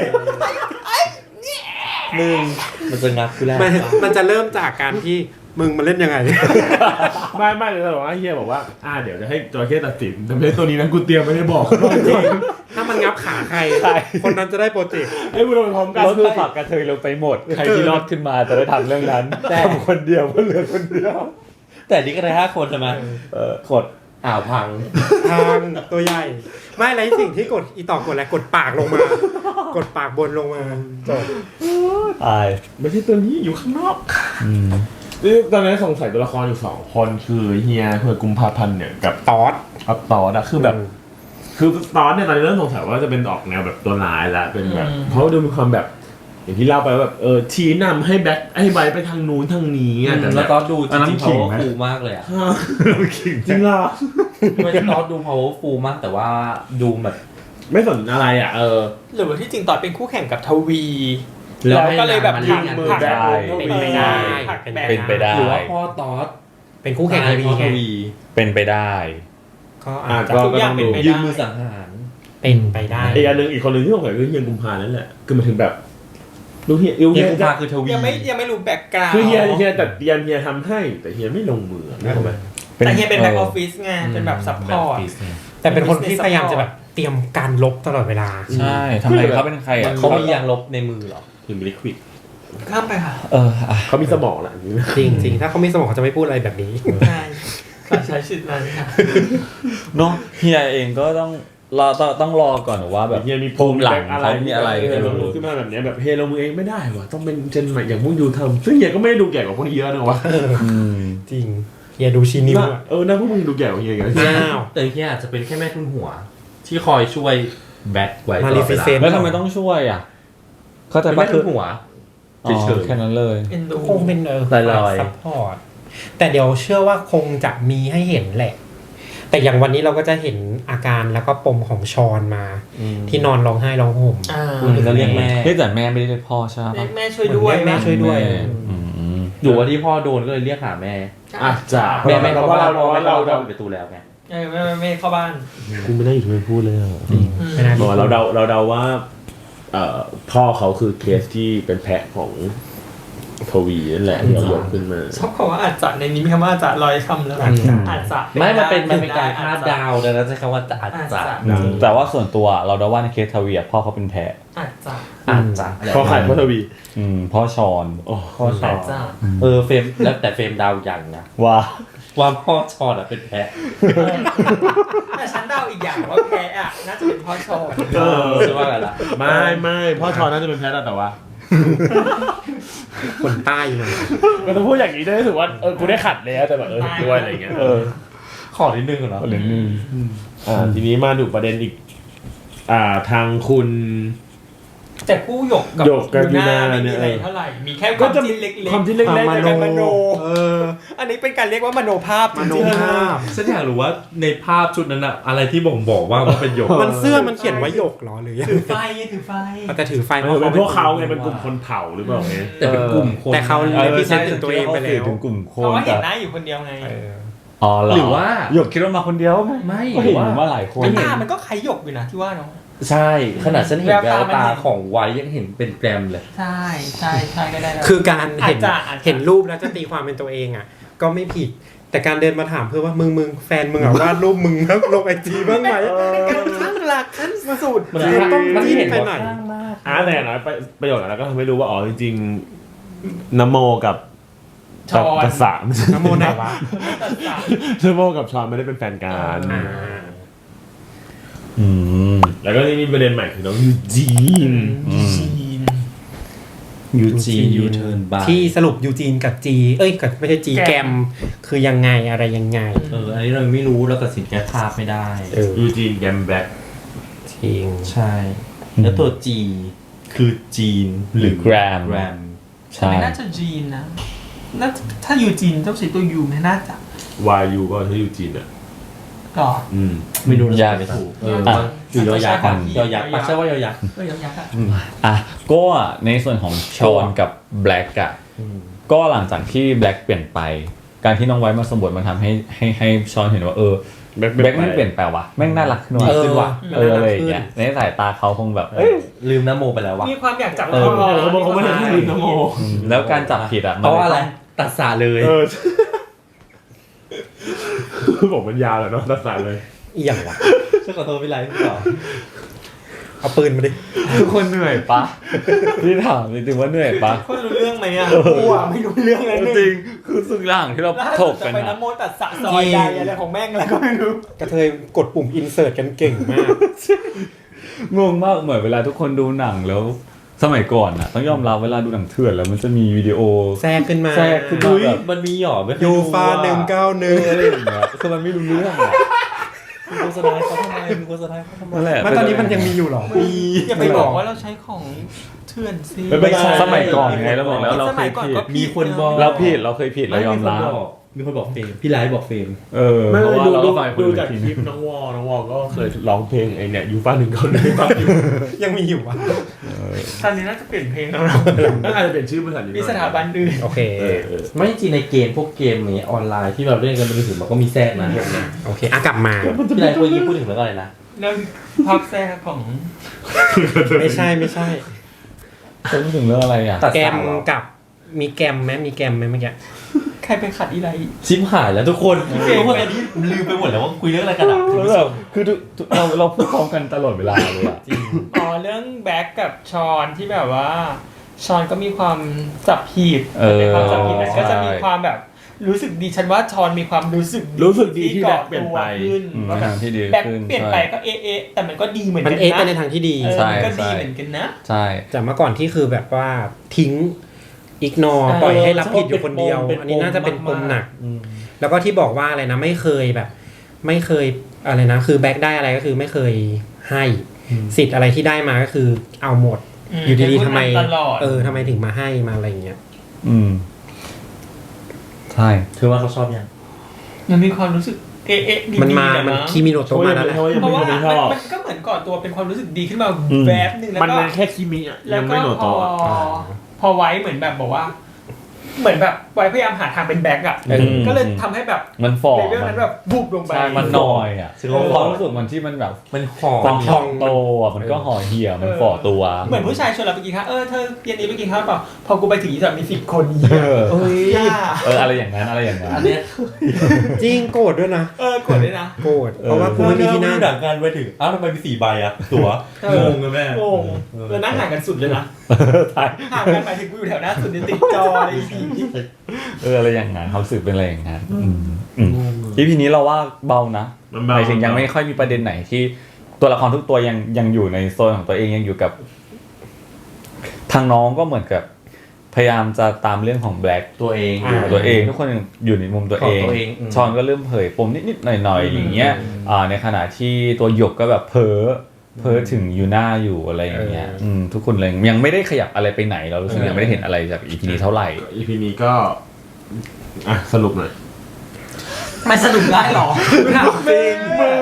Speaker 3: มึงมันจะงับคือแรก
Speaker 2: มันจะเริ่มจากการที่มึงมาเล่นยังไง
Speaker 5: ไม่เลยหรอกเฮียบอกว่าเดี๋ยวจะให้จระเข้ตัดสินแต่ไม่ใช่ตัวนี้นะกูเตรียมไม่ได้บอก
Speaker 2: ถ้ามันงับขาใคร คนนั้นจะได้โปรเจกต์
Speaker 5: ให้กูลงพร้อมกัน
Speaker 1: รถคือฝักกระเทยลงไปหมด ใครที่รอดขึ้นมาจะได้ทำเรื่องนั้นแต่คนเดียวก็เหลือคนเดียว
Speaker 3: แต่นี่ก็ได้5 คนใช่ไหมกดพัง
Speaker 2: ทางตัวใหญ่ ไม่ไรสิ่งที่กดอีต่อกดอะไรกดปากลงมา กดปากบนลงมาจบ
Speaker 1: ตาย
Speaker 5: ไม่ใช่ตัวนี้อยู่ข้างนอกตอนนี้สงสัยตัวละครอยู่2 คนคือเฮียเพื่อกุมภาพันธ์เนี่ยกับ
Speaker 2: ตอด
Speaker 5: ตอดคือแบบ คือตอนเนี่ยตอนนี้เริ่มสงสัยว่าจะเป็นออกแนวแบบตัวร้ายละเป็นแบบเพราะดูมีความแบบ อย่างที่เล่าไปว่าแบบชี้นำให้แบ็คให้ไบไปทางนู้นทางนี้อ่ะแต่
Speaker 3: แล้วตอนดูจ
Speaker 5: อันนั้น
Speaker 3: ริงๆ
Speaker 5: ขิง
Speaker 3: powerful
Speaker 5: ไหม
Speaker 3: มากเลยอ่ะ
Speaker 5: จริงเหรอ
Speaker 3: ไม่ตอนดู powerful มากแต่ว่าดูแบบ
Speaker 5: ไม่สนอะไรอ่ะ
Speaker 4: หรือว่าที่จริงตอนเป็นคู่แข่งกับทวี
Speaker 3: แล้ว
Speaker 4: ก็เลยแบบ
Speaker 3: ให้นางมาเล่น
Speaker 4: หัก
Speaker 1: ได้
Speaker 2: เป็นไปได้
Speaker 4: หักแบก
Speaker 1: เป็นไปได้
Speaker 3: หรือว่าพ่อตอส
Speaker 2: เป็นคู่แข่งทวี
Speaker 3: พ่อ
Speaker 2: ไง
Speaker 3: ทวี
Speaker 1: เป็นไปได้
Speaker 2: ก็อาจจะ
Speaker 5: ก็
Speaker 4: ทุกอย่างเป็นไป
Speaker 3: ยื
Speaker 4: ได้
Speaker 3: มมือสังหาร
Speaker 2: เป็นไปได้
Speaker 5: อีกคนหนึ่งที่สงสัยคือเฮียกุมภานั่นแหละคือมาถึงแบบดูเฮีย
Speaker 3: เฮี
Speaker 5: เฮี
Speaker 3: ย
Speaker 5: ย
Speaker 3: กุมภาคือทวี
Speaker 4: ยังไม่รู้แบ็กกราว
Speaker 5: คือเฮียแต่เฮียทำให้แต่เฮียไม่ลงมือไม่ทำไม
Speaker 4: แต่เฮียเป็นแบ็กออฟฟิศไงเป็นแบบซัพพอร์ต
Speaker 2: แต่เป็นคนที่พยายามจะแบบเตรียมการลบตลอดเวลา
Speaker 1: ใช่ทำไมเขาเป็นใครอ่ะ
Speaker 3: เขามียางลบในมือเหรอ
Speaker 5: ถึงลิควิด
Speaker 4: ข้ามไปค่ะ
Speaker 5: เขามีสมองแหละอย่างนี้นะ
Speaker 2: จริงๆ ถ้าเขามีสมองเขาจะไม่พูดอะไรแบบนี้
Speaker 4: ใช่ใช้สิทธิ์นั้นค่ะ
Speaker 1: เนาะเฮียเองก็ต้องรอก่อนว่าแบบ
Speaker 5: เฮียมี
Speaker 1: ภูมิหลังเขามีอะไร
Speaker 5: ลงมือขึ้นมาแบบนี้แบบเฮียลงมือเองไม่ได้ว่ะต้องเป็นเจนใหม่อย่างพวกยูทำซึ่งเฮียก็ไม่ได้ดูแก่กว่าพวกนี้เยอะนะวะ
Speaker 2: จริงเฮียดูชีนิวอะ
Speaker 5: น่าพวกมึงดูแก่กว่าเฮียกัน
Speaker 2: อ้าว
Speaker 3: แต่เฮียอาจจะเป็นแค่แม่ทุนหัว ที่คอยช่วยแบ็คไว้ต
Speaker 2: มา
Speaker 3: ล
Speaker 2: ริ
Speaker 3: อดเว
Speaker 2: ฟิ
Speaker 3: ลา
Speaker 2: เซน
Speaker 1: แล้วทำไมต้องช่วยอ่ะเข้าใจ
Speaker 3: เป็น
Speaker 1: ปะ
Speaker 3: แม่
Speaker 1: คื
Speaker 3: ทุ
Speaker 1: อน
Speaker 3: หัว
Speaker 1: อ๋อแค่นั้นเลย
Speaker 4: เอ็นดู
Speaker 2: คงเป็น
Speaker 3: ลอยๆ
Speaker 2: ซัพพอร์ตแต่เดี๋ยวเชื่อว่าคงจะมีให้เห็นแหละ แต่อย่างวันนี้เราก็จะเห็นอาการแล้วก็ปมของชอนมา ที่นอนร้องไห้ร้องห่ม
Speaker 3: ก็เรียกแม่
Speaker 1: เฮ้ยแต่แม่ไม่ได้เรียกพ่อใช่ปะ
Speaker 4: แม่ช่วยด้วย
Speaker 2: แม่ช่วยด้วย
Speaker 1: อืม
Speaker 3: อยู่ว่าที่พ่อโดนก็เลยเรียกหาแม่
Speaker 5: อาจจะ
Speaker 3: แม่เพราะว่าเรา
Speaker 5: เรา
Speaker 3: ปิดประตูแล้วไง
Speaker 4: ไม่เข้าบ้าน
Speaker 5: กูไม่ได้อยู่ที่ไม่พูดเลย
Speaker 2: ไม่น่า
Speaker 5: บอกเราเดาว่าพ่อเขาคือเคสที่เป็นแพะของทวีนั่นแหละที่เรายกขึ้นมา
Speaker 4: ชอบคำว่าอาจจะในนี้มีคำว่าอาจจะลอยคำแล้วอาจจะ
Speaker 3: ไม่มันเป็นการคาดเดาดังนั้นใช้คำว่าอาจจะ
Speaker 1: แต่ว่าส่วนตัวเราเดาว่าในเคสทวีอะพ่อเขาเป็นแพ้
Speaker 4: อาจจะ
Speaker 5: พ่อขายพ่อทวี
Speaker 1: พ่อชอน
Speaker 3: พ่อชอ
Speaker 4: อาจจะ
Speaker 3: เฟรมแล้วแต่เฟรมเดาอย่างนะ
Speaker 1: ว่า
Speaker 3: ว่าพ่อชอนเป็นแพะ
Speaker 4: แต่ฉันเดาอีกอย่างว่าแพ้อ่ะน่าจะเป็นพ่อชอน
Speaker 3: ใช่ว่าอะไรล่ะ
Speaker 5: ไม่พ่อชอนน่าจะเป็นแพะแต่ว่า
Speaker 2: คนใต้เลย
Speaker 5: ก็ต้องพูดอย่างนี้ได้รู้สึกว่ากูได้ขัดแล้วแต่แบบด้วยอะไรเงี้ย
Speaker 3: ขอนิดนึงเหรอ
Speaker 1: เรื่องนึง
Speaker 5: ทีนี้มาดูประเด็นอีกทางคุณ
Speaker 4: แต่คู่หยกกับ
Speaker 5: หยกกับ
Speaker 4: ยูน่า
Speaker 5: ยูน่า
Speaker 4: ไม่มี
Speaker 5: เนี่ย
Speaker 4: อะไรเท่าไหร่ มีแค่ค
Speaker 5: ก็
Speaker 4: วาม
Speaker 5: จะ
Speaker 4: จิ้
Speaker 5: มี
Speaker 4: นเล็กๆ
Speaker 5: ความที่เล็กๆ
Speaker 2: มโน
Speaker 4: การมโน
Speaker 2: เออ
Speaker 4: อันนี้เป็นการเรียกว่ามโนภาพจ
Speaker 2: มโน
Speaker 4: ริง
Speaker 2: ภาพ
Speaker 3: ฉันอยากรู้ว่าในภาพชุดนั้นอะอะไรที่บ่งบอกว่ามันเป็นหยก
Speaker 2: มันเสื้อมันเขียนว่าหยกเหรอหรือยัง
Speaker 4: ถือไฟไงถือไฟ
Speaker 2: แต่ถือไฟ
Speaker 5: เป็นพวกเขาไงเป็นกลุ่มคนเผ่าหรือเปล่าไง
Speaker 3: แต่เป็นกลุ่มคน
Speaker 2: แต่เขา
Speaker 1: เออ
Speaker 2: พิเศษถึงตัวเองไปแล้ว
Speaker 1: ถึงกลุ่มค
Speaker 4: เพราะ
Speaker 1: น
Speaker 4: ว่าเห็
Speaker 1: แต่
Speaker 4: นหน้าอยู่คนเดียวไง
Speaker 1: อ๋อเหรอ
Speaker 3: หรือว่า
Speaker 1: หยกคิดว่ามาคนเดียวไหม
Speaker 3: ไม่
Speaker 1: ก็
Speaker 3: หรื
Speaker 1: เห็
Speaker 3: อน ว่า
Speaker 1: ว่าหลายคน
Speaker 4: หน้ามันก็คล้ายหยกอยู่นะที่ว่าเนาะ
Speaker 3: ใช่ขนาดฉันเห็น
Speaker 4: แว
Speaker 3: แว
Speaker 4: ว
Speaker 3: ว
Speaker 4: ตามัน
Speaker 3: ตา
Speaker 4: เห็น
Speaker 3: ของไว้ยังเห็นเป็นแกรมเลย
Speaker 4: ใช่ก็ได้นะ
Speaker 2: คือการเห็น
Speaker 4: อาจจะ
Speaker 2: เห็นรูปแล้วจะตีความเป็นตัวเองอ่ะ ก็ไม่ผิด แต่การเดินมาถามเพื่อว่ามึงแฟนมึงอ่ะวาดรูปมึงนะลงไอจีบ้างไหม
Speaker 4: การข้างหลักขั้นสุด
Speaker 3: มัน
Speaker 2: ต้อง
Speaker 3: มัน
Speaker 2: จิ้น
Speaker 3: เห็น
Speaker 2: ไป
Speaker 3: ว่า
Speaker 2: ไหน
Speaker 3: ข้างมาก
Speaker 5: แต่อย่างน้อยประโยชน์แล้วก็ทำให้รู้ว่าอ๋อจริงๆนโมกับ
Speaker 4: ชอน
Speaker 5: กับสาม
Speaker 2: น้ำโมไหนวะ
Speaker 5: นโมกับชอนไม่ได้เป็นแฟนกัน
Speaker 1: อืม
Speaker 5: แล้วก็นี่มีประเด็นใหม่คือน้องยูจีน
Speaker 4: จีน
Speaker 3: ยูจียูเทิร์นบาย
Speaker 2: ที่สรุปยูจีนกับจีกับไม่ใช่จีแกมคือยังไงอะไรยังไง
Speaker 3: อันนี้เราไม่รู้เราตัดสินแค่ภาพไม่ได้
Speaker 5: ยูจีนแกมแบล็ก
Speaker 2: จริง
Speaker 3: ใช่ แล้วตัวจีคือจีนหรือ
Speaker 1: แกรม
Speaker 3: แกรม
Speaker 1: ใช่
Speaker 4: ไม่น่าจะจีนนะน่าถ้าอยู่จีนต้องใช้ตัวยูไม่น่าจะ
Speaker 5: วายูก็ใช้ยูจีนอ่ะ
Speaker 4: ก็
Speaker 3: ไม่รู้
Speaker 1: ยาก
Speaker 3: ไม่ถูก
Speaker 1: อ่ะ
Speaker 3: คือยอยักษ์
Speaker 4: อ่ะ
Speaker 3: ยอยักษ์ปักใช่ว่ายอยักษ์
Speaker 4: ก็ยังยักษ์อะ
Speaker 1: อ่ะก็ในส่วนของชอนกับแบล็กอะก็หลังจากที่แบล็กเปลี่ยนไป การที่น้องไว้มาสมบทมันทำให้ชอนเห็นว่าแบล็กไม่เปลี่ยนแปลว่ะแม่งน่ารักขึ้นว่ะ
Speaker 2: เออ
Speaker 1: ขึ้นว่ะ
Speaker 2: มันน่ารัก
Speaker 1: อะไรอย่างเงี้ย
Speaker 2: ขึ้น
Speaker 1: ในสายตาเขาคงแบบ
Speaker 3: ลืมน้ำโมไปแล้ววะ
Speaker 4: มีความอยากจับ
Speaker 5: เขาบอกเขาไม่ได้ลืมนโม
Speaker 1: แล้วการจับผิดอะ
Speaker 3: เพราะว่าอะไรตัดสาเลย
Speaker 5: บอกมันยาวแหละเนาะตัดสายเลย
Speaker 2: อีหยังวะ
Speaker 3: ฉันขอโทษพี่ไลฟ์พี่ต่อ
Speaker 2: เอาปืนมาดิ
Speaker 1: ทุกคนเหนื่อยปะพี่ถามจริงๆว่าเหนื่อยปะ
Speaker 4: คนรู้เรื่องไหมอ่ะกูอ่ะไม่รู้เรื่องเลย
Speaker 1: จริงคือสุดล่างที่เรา
Speaker 4: ล่า
Speaker 1: ถ
Speaker 4: สุด
Speaker 1: ก
Speaker 4: จะ
Speaker 1: กัน
Speaker 4: ไป
Speaker 1: อะ
Speaker 4: น้ำโมตัดสะซอยใดอะไรของแม่งอะไรก็ไม่รู้
Speaker 2: กระเทยกดปุ่มอินเสิร์ตกันเก่งมาก
Speaker 1: งงมากเหมือนเวลาทุกคนดูหนังแล้ว สมัยก่อนอะต้องยอมรับเวลาดูหนังเถื่อนแล้วมันจะมีวิดีโอ
Speaker 2: แทรกขึ้นมา
Speaker 1: แทรกขึ้นมา แบบ
Speaker 3: มันมีหยอไม่เคย
Speaker 2: ยู
Speaker 3: ดู
Speaker 2: ฟา
Speaker 3: อะ
Speaker 2: 191
Speaker 1: อะไรอย่างเงี้ยคือมันไม่รู้เรื่องอะ
Speaker 3: มีโฆษณาเขาทำไมมีโฆษณาเขาทำไม
Speaker 1: นั่นแหละ
Speaker 2: มันตอนนี้มันยังมีอยู่เหรอ
Speaker 4: อย่าไปบอกว่าเราใช้ของเถื่อนสิ
Speaker 1: ไม่ใช่สมัยก่อนไงเราบอกแล้วเรา
Speaker 4: ส
Speaker 1: เค
Speaker 4: มั
Speaker 1: ย
Speaker 4: ยก่อน
Speaker 1: ผิด
Speaker 4: ก็
Speaker 3: มีคนบอก
Speaker 1: เราผิดเราเคยผิดเรายอมรับ
Speaker 3: มีคนบอกเฟรมพี่ไลฟ์บอกเฟรม
Speaker 5: ไม่
Speaker 1: เพราะว่า
Speaker 5: ดู
Speaker 1: เรา
Speaker 5: ดู
Speaker 1: ก็ฟังคน
Speaker 5: ดู
Speaker 1: อื่น
Speaker 5: จาก
Speaker 1: ที
Speaker 5: คลิปน้องวอก็เคยร้องเพลงไอเนี่ยยูฟ่า191อยู่
Speaker 2: ยังมีอยู่วะ
Speaker 4: ตอนนี้น่าจะเปลี่ยนเพลงแล้วนะ
Speaker 5: น่าจะเป็นชื่อบริษัทอยู่
Speaker 4: มีสถาบันอื่น
Speaker 2: โอเค
Speaker 3: ไม่จริงในเกมพวกเกมนี้ออนไลน์ที่เราเล่นกันเป็นถึงมันก็มีแทรกนะพวกเนี้ย
Speaker 2: โอเคกลับมา
Speaker 3: พี่ไลฟ์เมื่อกี้พูดถึงเรื่องอะไรนะ
Speaker 4: เรื่องภาพแทรกของ
Speaker 2: ไม่ใช่
Speaker 1: จะพูดถึงเรื่องอะไรอ่ะ
Speaker 3: ตัด
Speaker 2: แก
Speaker 3: สาม เหรอ
Speaker 2: กับมีแกมไหมเมื่อกี้
Speaker 4: ใครไปขัดอีไร
Speaker 3: ชิมหายแล้วทุกคนทุกคนตอนนี้ลืมไปหมดแล้วว่าคุยเรื่องอะไรกันอ่ะ
Speaker 1: แล้วแบบคือเราพูดพร้อมกันตลอดเวลาเลยอ่ะ
Speaker 4: อ๋อเรื่องแบ็กกับชอนที่แบบว่าชอนก็มีความจับผิดในความจับผิดนั้นก็จะมีความแบบรู้สึกดีฉันว่าชอนมีความรู้สึก
Speaker 5: ดีที่แบ็คเปลี่ยนไป
Speaker 4: ขึ้น
Speaker 1: ใน
Speaker 4: ว่าแบ
Speaker 1: ทา
Speaker 4: บ
Speaker 1: งที่ดี
Speaker 4: แบ็ก
Speaker 1: ขึ้น
Speaker 4: เปลี่ยนไปก็เอะแต่มันก็ดีเหมือน
Speaker 2: มั
Speaker 4: กัน น
Speaker 2: เอ๊ะไป
Speaker 4: นะ
Speaker 2: ในทางที่ดี
Speaker 1: ใช่
Speaker 4: มันก็ดีเหมือนกันนะ
Speaker 1: ใช่
Speaker 2: จากเมื่อก่อนที่คือแบบว่าทิ้งอิกนอปล่อยให้รับผิดอยู่คนเดียว อันนี้น่าจะเป็นปมหนัก แล้วก็ที่บอกว่าอะไรนะไม่เคยแบบ ไม่เคยอะไรนะคือแบ็กได้อะไรก็คือไม่เคยให้สิทธิ์อะไรที่ได้มาก็คือเอาหมด อยู่ดีๆทำไม
Speaker 4: ตลอด
Speaker 2: ทำไมถึงมาให้มาอะไรอย่างเงี้ย
Speaker 1: ใช่
Speaker 3: คือว่าเขาชอบยัง
Speaker 4: มันมีความรู้สึกเอะดี
Speaker 2: มันมา
Speaker 4: ๆะ
Speaker 2: มันคีมิโนโตะมาแล้วแหละ
Speaker 4: เพราะว่า
Speaker 5: ไม่ชอบ
Speaker 4: มันก็เหมือนก่อตัวเป็นความรู้สึกดีขึ้นมาแวบหนึ่งแล้ว
Speaker 5: มัน
Speaker 4: ก็
Speaker 5: แค่คิมิอ่ะ
Speaker 4: แล้
Speaker 5: ยั
Speaker 4: ว
Speaker 5: ง
Speaker 4: ก็
Speaker 5: ไม่โน
Speaker 4: พ
Speaker 5: โตะ
Speaker 4: พอไว้เหมือนแบบบอกว่า เหมือนแบบไว้พยายามหาทางเป็นแบ็กอ่ะ ก็เลยทำให้แบบ
Speaker 1: มันฝ่อ
Speaker 4: เลเวลนั้นแบบบุบลงไป
Speaker 1: ใช่มันนอยอ่ะ
Speaker 3: ซึ่ง
Speaker 1: ความรู้สึกมันที่มันแบบ
Speaker 3: มันหอ
Speaker 1: ความ
Speaker 3: ม
Speaker 1: พองโตอ่ะมันก็ห่อเหี่ยวมันฝ่อตัว
Speaker 4: เหมือนผู้ชายชวนเราไปกินข้าวเธอเย็นนี้ไปกินข้าวเปล่าพอกูไปถึงอีสัตว์มี10 คนอีก
Speaker 1: เออ
Speaker 4: ย่า
Speaker 1: อะไรอย่างนั้นอะไรอย่างนั้น
Speaker 3: อันเนี้ย
Speaker 2: จริงโกรธด้วยนะ
Speaker 4: กดด้วยนะ
Speaker 2: โกรธเพราะว่ากูไม่มีที่นั่ง
Speaker 3: หนังกันไปถึงอ้าวทำไมมี4 ใบอ่ะตัวงงเลยแม่
Speaker 4: โง่แล้วนั่งห่างกันสุดเลยนะ
Speaker 1: ใช่
Speaker 4: ห่างกันหมายถึงกูอยู่แถวหน้าสุดเนี่ยติดจออะไรที
Speaker 1: อะไรอย่างนั้นเขาสึกเป็นอะไรอย่างนั้นอีพีนี้เราว่าเบานะ
Speaker 5: มัน
Speaker 1: ห
Speaker 5: เบา
Speaker 1: มายถึงยังไม่ค่อยมีประเด็นไหนที่ตัวละครทุกตัวยังอยู่ในโซนของตัวเองยังอยู่กับ ทางน้องก็เหมือนกับพยายามจะตามเรื่องของแบล็ก
Speaker 3: ตัวเอง
Speaker 1: ตัวเองทุกคนอยู่ในมุมตัวเอง
Speaker 3: ของตัวเอง
Speaker 1: ชอนก็เริ่มเผยปมนิดๆหน่อยๆอย่างเงี้ยในขณะที่ตัวหยกก็แบบเผลอเพ้อถึงยูน่าอยู่อะไรอย่างเงี้ยทุกคนเลยยังไม่ได้ขยับอะไรไปไหนเรารู้สึกยังไม่ได้เห็นอะไรจาก EP นี้เท่าไหร่
Speaker 5: EP นี้ก็สรุปหน่อย
Speaker 4: มันสนุกได้หรอถามจริง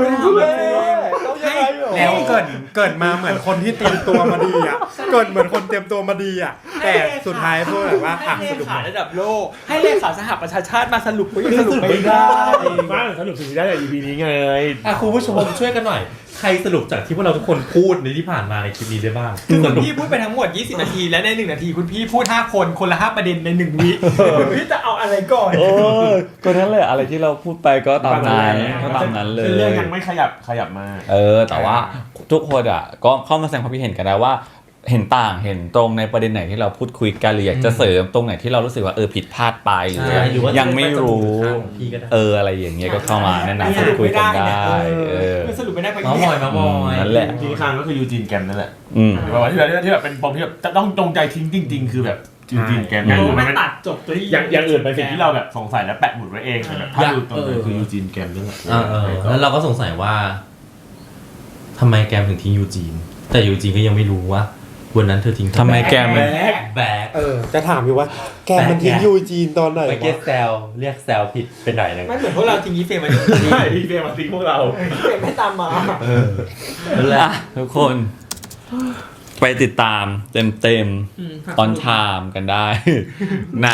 Speaker 2: แล้วเกิดมาเหมือนคนที่เตรียมตัวมาดีอ่ะเกิดเหมือนคนเตรียมตัวมาดีอ่ะแต่สุดท้ายพูดแบบว่า
Speaker 4: ให้เล
Speaker 2: สรุป
Speaker 4: ขาระดับโลกให้เลขาสหประชาชาติมาสรุปก็ยังสรุปไม่ได้
Speaker 5: บ้างสรุปสิ่งที่ได้จาก EP นี้ไง
Speaker 3: คุณผู้ชมช่วยกันหน่อยใครสรุปจากที่พวกเราทุกคนพูดในที่ผ่านมาในคลิปนี้ได้บ้าง
Speaker 4: คือคุณพี่พูดไปทั้งหมด20นาทีและใน1นาทีคุณพี่พูด5คนคนละ5ประเด็นใน1วิคุณพี่จะเอาอะไรก่อน
Speaker 1: ก็นั่นแหละอะไรที่เราพูดไปก็ตามนั้นเลย
Speaker 5: เรื่องยังไม่ขยับมา
Speaker 1: แต่ว่าทุกคนอ่ะก็เข้ามาแสดงความคิดเห็นกันได้ว่าเห็นต่างเห็นตรงในประเด็นไหนที่เราพูดคุยกันหรืออยากจะเสริมตรงไหนที่เรารู้สึกว่าผิดพลาดไปหรือยังไม่รู้อะไรอย่างเงี้ยก็เข้ามาแนะนำพูดคุยกันได้
Speaker 4: สรุปไม่ได้ไป
Speaker 3: มาบ่อย
Speaker 1: นั่นแหละ
Speaker 5: ที่ข้างก็คือยูจีนแกมนั่นแหละว่าที่แบบเป็นปมที่แบบต้องจงใจทิ้งจริงๆคือแบบยูจีนแกม
Speaker 4: ไม่ตัดจบตัว
Speaker 5: อย่างอื่นเป็นสิ่งที่เราแบบสงสัยและแปะหมุดไว้เองแต่แบบถ้าดูตรงนั้นคือยูจีนแกมนั่นแหละ
Speaker 3: แล้วเราก็สงสัยว่าทำไมแกมถึงทิ้งยูจีนแต่ยูจีนก็ยังไม่รู้ว่าวันนั้นเธอทิ้ง
Speaker 1: ทำไมแกมัน
Speaker 3: แบก
Speaker 2: จะถามอยู่ว่าแกมันทิ้งยูจีนตอนไหน
Speaker 3: ไปเรียกแซวผิดไปหน่อยนึง
Speaker 4: ไม่เหมือนพวกเราทิ้งยีเฟรมมา
Speaker 5: ใช่ยีเฟรมมาทิ้งพวกเรา
Speaker 4: เฟรมไม่ตามมา
Speaker 1: นั่นแหละทุกคนไปติดตามเต็มตอนชามกันได้ใน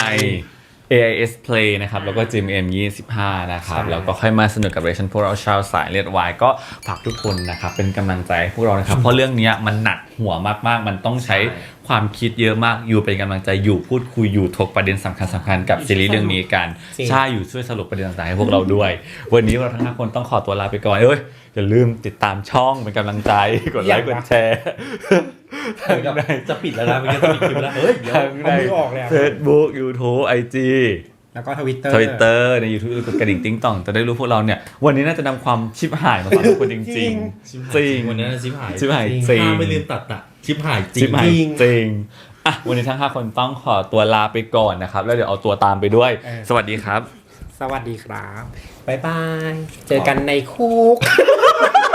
Speaker 1: AIS Play นะครับแล้วก็ GMM 25นะครับแล้วก็ค่อยมาสนุกกับเรชั่นพวกเราชาวสายเลือดวายก็ฝากทุกคนนะครับเป็นกำลังใจให้พวกเรานะครับเพราะเรื่องนี้มันหนักหัวมากๆมันต้องใช้ความคิดเยอะมากอยู่เป็นกำลังใจอยู่พูดคุยอยู่ถกประเด็นสำคัญกับซีรีส์เรื่องนี้กันใช่อยู่ช่วยสรุปประเด็นต่างๆให้พวกเราด้วยวันนี้เราทั้ง5คนต้องขอตัวลาไปก่อนอย่าลืมติดตามช่องเป็นกำลังใจกดไลค์กดแชร์
Speaker 3: จะปิดแล้วนะมันจะปิดคลิปแล้ว
Speaker 2: เดี๋ยวเอามือออกแล้ว
Speaker 1: Facebook YouTube IG
Speaker 2: แล้วก็ Twitter
Speaker 1: ใน YouTube กดกระดิ่งติ๊งต่องจะได้รู้พวกเราเนี่ยวันนี้น่าจะนำความชิบหายมาฝากทุกคนจริง
Speaker 3: วันนี้ชิบหาย
Speaker 1: จริง
Speaker 3: ไม่ลืมตัดชิบหายจริ
Speaker 1: งวันนี้ทั้ง5คนต้องขอตัวลาไปก่อนนะครับแล้วเดี๋ยวเอาตัวตามไปด้วยสวัสดีครับ
Speaker 2: สวัสดีครับบ๊ายบายเจอกันในคุก